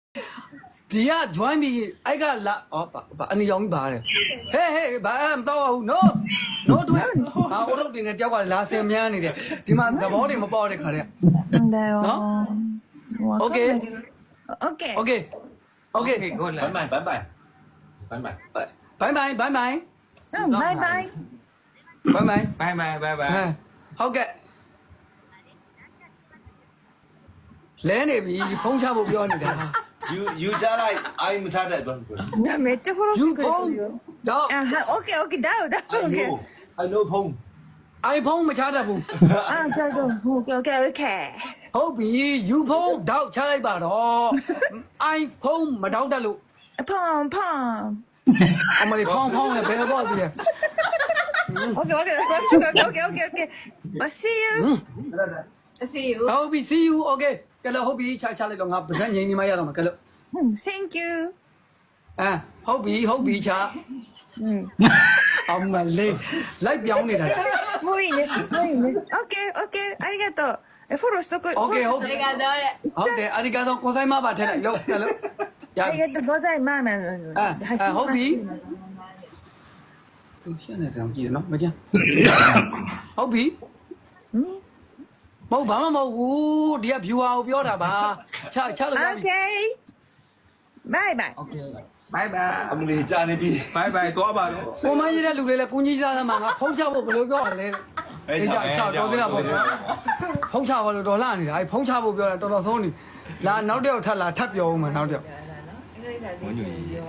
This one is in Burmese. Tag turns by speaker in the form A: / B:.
A: ဒီက join ပြီးအဲ့ကလာအနေရောင်ကြီးပါတယ်ဟဲ့ဘာမတော့ဘူး no တို့ဟာဟိုတော့တင်နေတယောက်ကလာစင်မြန်းနေတယ်ဒီမှာသဘောတွေမပေါက်တဲ့ခါတည်း
B: 네.
A: 오케이.
B: 오케이.
A: 오케이 오케이
C: Ngon lắm. Bye bye. Bye bye.
A: 바이바이 바이바이
B: 바이바이.
A: 바이바이
C: Bye bye bye bye.
A: ဟုတ်ကဲ့လဲနေပြီဖုံးချဖို့ပြောနေတာ
D: You just like I'm tired.
B: 나 매트 호로.
A: you ဖုံးတော့
B: 아, 오케이, 오케이. 다오,
D: I
B: 다오. 오케이.
D: know. I know Pong.
A: iPhone မချတတ်ဘူး
B: 아, 저도. 오케이, 오케이, 오케이.
A: ဟုတ်ပြီ you ဖုံးတော့ချလိုက်ပါတော့ iPhone မတော့တတ်လို့
B: 펑, 펑.
A: အမလေးဖောင်းနဲ့ဘယ်တော့ပြီလဲ
B: 오케이, 오케이, 오케이, 오케이, 오케이. See you.
E: See you.
A: ဟုတ်ပြီ see you okay ကဲလို့ဟုတ်ပြီချလိုက်တော့ငါဗဇက်ငိမ့်နေမှရတော့မှာကဲလို့
B: Thank you.
A: ဟုတ်ပြီချအမလေးလိုက်ပြောင်းနေတာ
B: 모이네. 오케이, 오케이. 아리가또. 포로 스토커.
A: Okay ဟုတ်တယ်
E: Obrigado.
A: ဟုတ်တယ်အရိကတော့ကိုဆိုင်မပါထဲလိုက်လို့ကဲလို့ရ
B: 아리가또 너자의 마음에.
A: ဟုတ်ပြီရှင်းနေစမ်းကြည့်နော်မကျန်ဟုတ်ပြီမဟုတ်ဘာမှမဟုတ်ဘူးဒီက viewer ကိုပြောတာပါချလို့ရပြီ
B: 오케이. 바이바이.
C: Bye bye.
D: I'm really tired.
C: Bye bye. Tốt bà luôn.
A: ကိုမကြီးတဲ့လူတွေလည်းကုကြီးစားသမားငါဖုံးချဖို့ဘယ်လိုပြောရလဲအေးကြချတော်သေးတာပေါ့ဖုံးချဖို့လို့တော်လာနေတာအဲဖုံးချဖို့ပြောတာတော်တော်ဆုံးနေလာနောက်တစ်ယောက်ထပ်လာထပ်ပြောဦးမယ်နောက်တစ်ယောက်
C: Muốn nhiều gì?